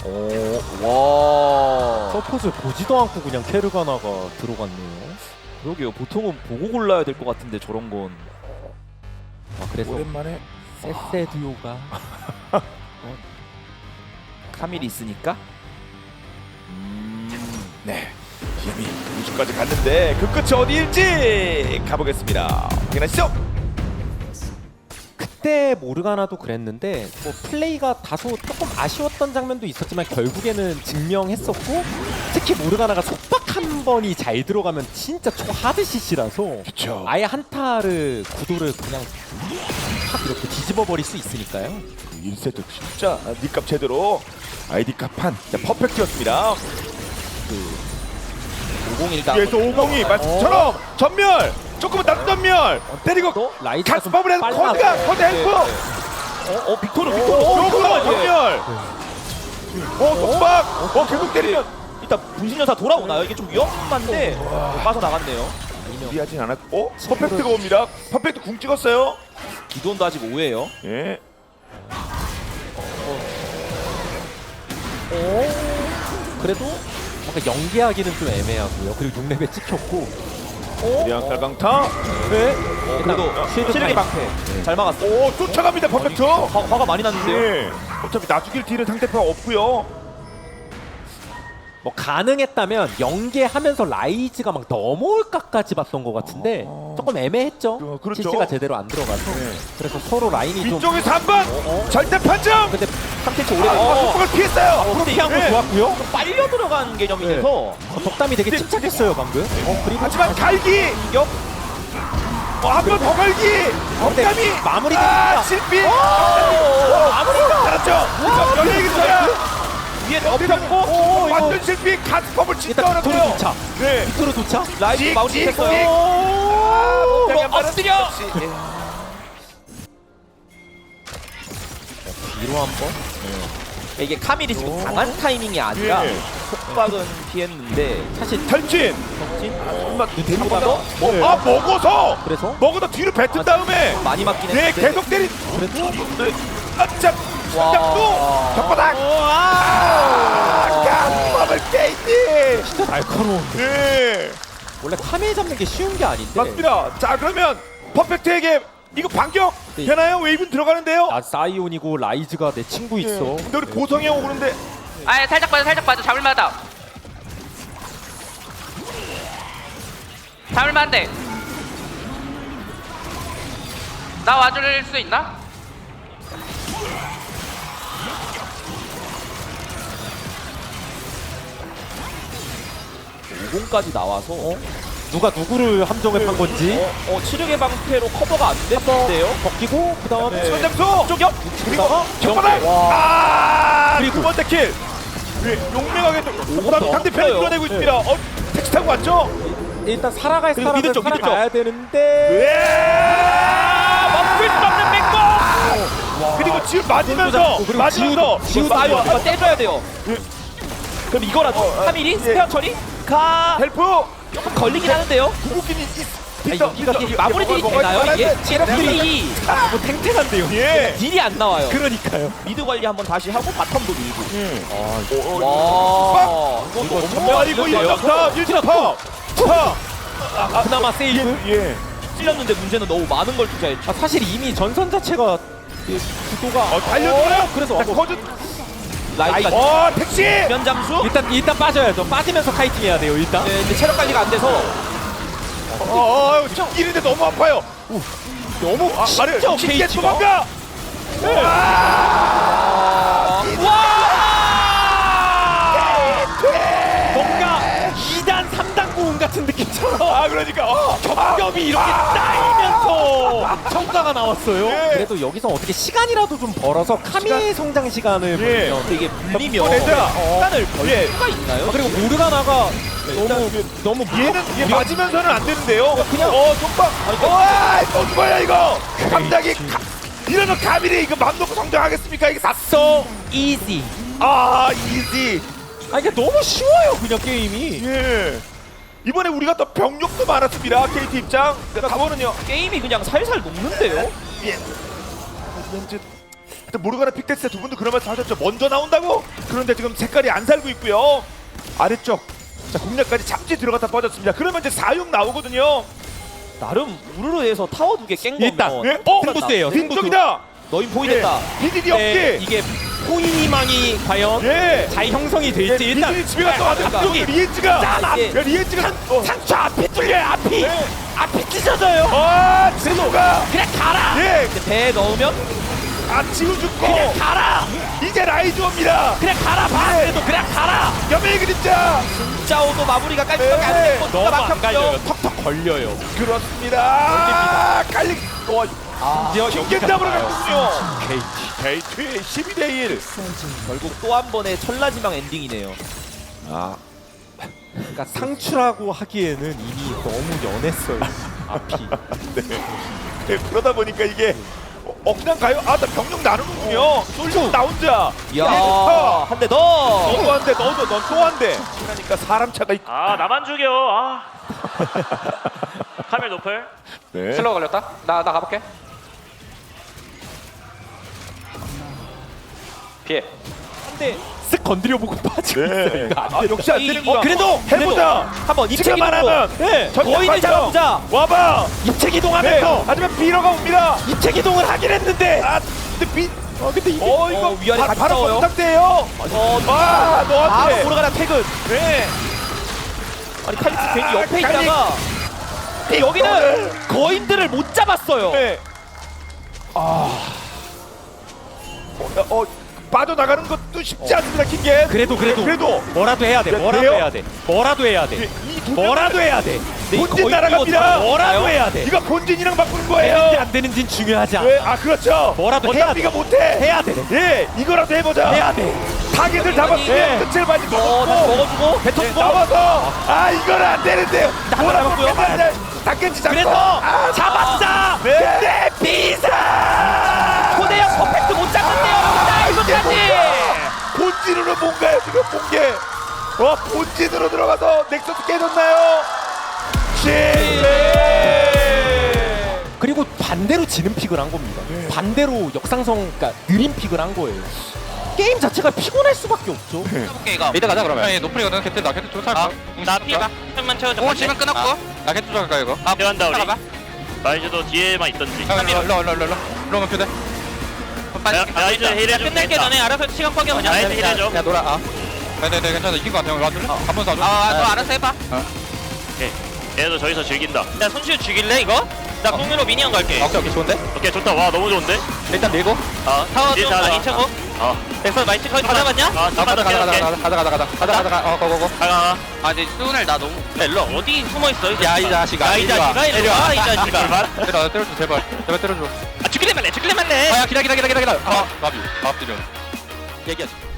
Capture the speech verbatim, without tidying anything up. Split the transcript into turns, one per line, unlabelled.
와.
서폿을 보지도 않고 그냥 케르가나가 들어갔네요.
그러게요. 보통은 보고 골라야 될 것 같은데 저런 건.
아 그래서
오랜만에
세세 듀오가
카밀이 있으니까.
음, 네 이미 우주까지 갔는데 그 끝이 어디일지 가보겠습니다. 확인하시죠.
그때 모르가나도 그랬는데 뭐 플레이가 다소 조금 아쉬웠던 장면도 있었지만 결국에는 증명했었고, 특히 모르가나가 속박 한 번이 잘 들어가면 진짜 초하드 씨씨라서
그쵸.
아예 한타를 구도를 그냥 확 이렇게 뒤집어 버릴 수 있으니까요.
일 세트 진짜 니값 제대로 아이디 값한 퍼펙트였습니다.
오공일다.
뒤에서 오공이 말씀처럼 전멸! 조금은 낮은 전멸! 때리고
또 라이즈가 좀
가스법을 해서
빨라서.
코드가 코드 헬프!
어, 어, 빅토르, 빅토르.
요거만
예.
전멸! 어 속박! 어 계속 때리면
일단 분신연사 돌아오나요? 이게 좀 위험한데 빠져나갔네요.
무리하진 않았고 어? 퍼펙트가 옵니다. 퍼펙트 궁 찍었어요.
기돈도 아직 오해예요.
예.
그래도 뭔가 연계하기는 좀 애매하고요. 그리고 육 렙에 찍혔고.
리안 깔강타.
네.
어, 그래도
쉴드
시르기
타임.
방패 잘 막았어.
오 쫓아갑니다. 퍼펙트.
화, 화가 많이 났는데요.
예. 어차피 나 죽일 딜은 상대편 없고요.
뭐 가능했다면 연계하면서 라이즈가 막 넘어올까까지 봤던 것 같은데
어.
조금 애매했죠.
그, 그렇죠.
씨씨가 제대로 안 들어가서.
네.
그래서 서로 라인이 좀.
이쪽에서 한 번. 절대 판정.
근데
삼 캔치 오래
아,
어,
속박을 피했어요.
어, 근데
피한 거
네.
좋았고요.
좀 빨려 들어간 개념이
네.
돼서
어, 덕담이 되게 침착했어요 방금. 어, 그리고
하지만 갈기.
격
어, 한 번 더 갈기.
근데
덕담이.
마무리
아
됩니다.
실패.
마무리가
잘했죠. 연예인 소야.
위에 덮였고
오, 이거
완전 실패. 가스법을 진짜
일단 빅토르
어렵고요.
도착.
네.
빅토르 도착.
라이트
찍,
마무리
찍,
했어요.
찍.
오,
아,
뭐 엎드려.
뒤로 한번.
이게 카밀이 지금 강한 타이밍이 아니라
예.
속박은 피했는데
사실
탈진.
진
정말
한번 더
뭐, 아 먹어서.
그래서
먹어서 뒤로 뱉은 다음에.
많이 맞긴
네
했는데
계속 때린.
그래도
아참.
와.
또 벽바닥. 아, 가스법을 깨지.
진짜 날카로운.
네.
원래 카메 잡는 게 쉬운 게 아닌데.
맞습니다. 자 그러면 퍼펙트에게 이거 반격
네.
되나요? 웨이브는 들어가는데요.
나 사이온이고 라이즈가 내 친구 있어.
예. 근데 우리 보성이 형 오는데
아 살짝 빠져 살짝 빠져 잡을만하다 잡을만한데 나 와줄 수 있나?
오공까지 나와서 어,
누가 누구를 함정에 판 건지.
어 치르게 방패로 커버가 안 됐는데요.
벗기고 그 다음에
네. 손잡수
쪽역
그리고
와.
벽바닥. 아
그리고-
두 번째 킬. 네, 용맹하게 또
더
상대편을
없어요.
밀어내고 있습니다. 어 택시 타고 왔죠?
일단 살아갈
그리고
사람은
미드 쪽, 미드
살아가야 되는데.
예.
멈출 수 없는 맹공.
그리고 지금 맞으면서
잡고, 그리고
맞으면서
지우도-
지금 아유 이거 떼줘야 돼요. 그럼 이거라도
어,
카밀이
예.
스페어 처리 가
헬프
조금 걸리긴 하는데요.
구국인이
아니, 여기가 마무리 딜이 되나요 이게? 딜이
뭐 탱탱한데요.
예.
딜이 안 나와요.
그러니까요.
미드 관리 한번 다시 하고 바텀도 밀고.
음.
와 이거
이거
너무
아 이거
많은데요?
일점사 일점파 파.
그나마 세이브.
예.
찔렸는데 문제는 너무 많은 걸 투자했죠.
아, 사실 이미 전선 자체가 이 구도가
어 달려들어요.
어, 그래서
자,
어,
거즈.
라이트가
어 택시.
면 잠수.
일단 일단 빠져야죠. 빠지면서 카이팅 해야 돼요. 일단.
네, 근데 체력 관리가 안 돼서
어, 어 이런데 너무 아파요. 너무 아, 말을
진짜
쉽게
케이지가?
도망가.
뭔가 이 단 삼 단 고음 같은 느낌처럼
아 그러니까 어.
겹겹이 이렇게 쌓이면서 성과가 나왔어요.
예.
그래도 여기서 어떻게 시간이라도 좀 벌어서 카미의 성장 시간을
예.
벌면.
근데 이게 물리면
어, 얘들아.
시간을 벌
예.
수가 있나요?
아, 그리고 모르가나가 너무 너무
얘는 얘 맞으면서는 안 되는데요.
그냥-
어 손박. 와, 또 죽어요 이거. 갑자기 가, 이러면 가밀이 이거 맘 놓고 성장하겠습니까? 이게 샀어.
easy.
아 이지.
아 이게 너무 쉬워요 그냥 게임이.
예. 이번에 우리가 또 병력도 많았습니다. 케이티 입장. 가보는요.
게임이 그냥 살살 녹는데요.
예. 왠지 그때 모르가나 픽테스 두 분도 그런 말씀 하셨죠. 먼저 나온다고. 그런데 지금 색깔이 안 살고 있고요. 아래쪽 자 공략까지 잠시 들어갔다 빠졌습니다. 그러면 이제 사 육 나오거든요.
나름 우르르에서 타워 두 개 깬 거면
일단,
예? 어?
승부수예요, 승부수.
빈쪽이다.
너희 포인했다.
비디디
네,
없기.
이게 포인희망이 과연
예.
잘 형성이 될지 일단
비디디 집에 갔다 왔는데
그러니까.
앞쪽에 리엔지가
짠! 앞-
이게
야, 리엔지가 어.
상처 앞이 뚫려요 앞이
네.
앞이 찢어져요.
아 지우가
그냥 가라.
예.
근데 배에 넣으면
아 지우 죽고
그냥 가라.
이제 라이즈 옵니다.
그냥 가라. 봐. 그래도 그냥 가라.
여명의 그림자.
짜오도 마무리가 깔끔하게 안
네.
됐고
너무
누가
안 갈려요.
막혔죠.
턱턱 걸려요.
그렇습니다. 아, 깔리. 와,
드디어
킹겐 잡으러
가요.
갔군요.
게이트.
게이트 십이 대 일.
결국 또 한 번의 천라지망 엔딩이네요.
아,
그러니까 상추라고 하기에는 이미 너무 연했어요. 앞이.
네, 그러다 보니까 이게 어, 어 그냥 가요? 아, 나 병력 나누는군요. 솔직히 나 혼자.
이야,
야,
한 대 더.
너도 한 대, 너도 넌 또 한 대. 그러니까 사람 차가 있.
아 나만 죽여 아 카멜 노플
네.
슬로우 걸렸다. 나 나 가볼게. 피해.
한대
쓱 건드려보고 빠지고 있어요.
네.
이거 안
아, 역시 안
이-
되는구나.
어, 그래도,
해보자.
한번
지금
입체기동으로.
말하면
네.
전략
거인을
발전.
잡아보자.
와봐.
입체
네.
기동하면서
하지만 비러가 옵니다.
입체 기동을 하긴 했는데.
아, 근데 비.
어 근데 이게
어, 이거
어, 위아래
바,
같이
바로
싸워요.
건탁대예요.
어,
아,
바로
너한테.
보러가나 퇴근.
네.
아니 칼리스 괜히
아,
옆에
칼리-
있다가 근데 여기는 거인들을 못 잡았어요.
네. 아. 어, 어 빠져나가는 것도 쉽지 않습니다, 킹겐.
그래도 그래도
그래도
뭐라도 해야 돼.
야,
뭐라도
돼요?
해야 돼. 뭐라도 해야 돼.
이두
뭐라도 해야 돼.
근데 이
본진
거인
날아갑니다.
이거
뭐라도
잡아요?
해야 돼.
이거 본진이랑 바꾸는
되는지
거예요.
안 되는지는 중요하지 않아.
왜? 아 그렇죠.
뭐라도 해야
어차피
돼.
이거 못해.
해야 돼.
예, 이거라도 해보자.
해야 돼.
타겟을 잡았으면
예.
끝을 맞이
어, 다시
먹었고
먹어주고 뱉어
예,
주고.
나와서 아 이거는 안 되는데요.
나
뭐라고
잡았고요.
맨날 닭겐지 잡고.
그래서
아,
잡았다.
네.
근데 비사.
코네형 퍼펙트 못 잡았네요. 자, 이거까지.
본진으로 뭔가요 지금 본 게. 와 본진으로 들어가서 넥서스 깨졌나요? 실패.
그리고 반대로 지는 픽을 한 겁니다. 반대로 역상성, 그러니까 느린 픽을 한 거예요. 게임 자체가 피곤할 수밖에 없죠.
해볼게 이거. 미드 가자 그러면. 아니 노플이거든. 캐트 나 캐트 쫓아. 아, 나 피해봐. 한만 채워줘. 오 지금 끊었고. 나 캐트 쫓아갈까 이거. 아
들어간다 우리
따라가봐.
라이즈도 뒤에만 있던지
일로 일로 일로 일로 일로. 일로 오면 표대.
라이즈 힐해줘
끝낼게 너네 알아서 시간 뻑여 그냥.
라이즈 힐해줘
야 놀아. 아. 네네 괜찮아 이긴 거 같아. 와줄래? 한번 더 줘. 아너 알아서 해봐.
얘도 저기서 즐긴다
야 손시우 죽일래 이거? 나 공유로 미니언 갈게. 오케이 오케이 좋은데?
오케이 좋다 와 너무 좋은데
일단 밀고.
어
타워
딜
좀
잘하자.
많이 쳐고.
어
백설 마이트 거의 다 잡았냐?
어
가자
잠깐만
가자 가자
깨울게
가자 가자 가자 가자 가자 가자 어 고고고.
가가
아 근데 수은을 나 너무. 야 일로 어디 숨어 있어? 야 이 자식아. 야이
이리 와.
자식아 이리 와. 이 자식아.
출발
때려 때려줘 제발 제발 때려줘. 아 죽일래 말래 죽일래 말래. 아야 기다 기다 기다 기다 기다. 아 밥이 밥 드려. 얘기하지.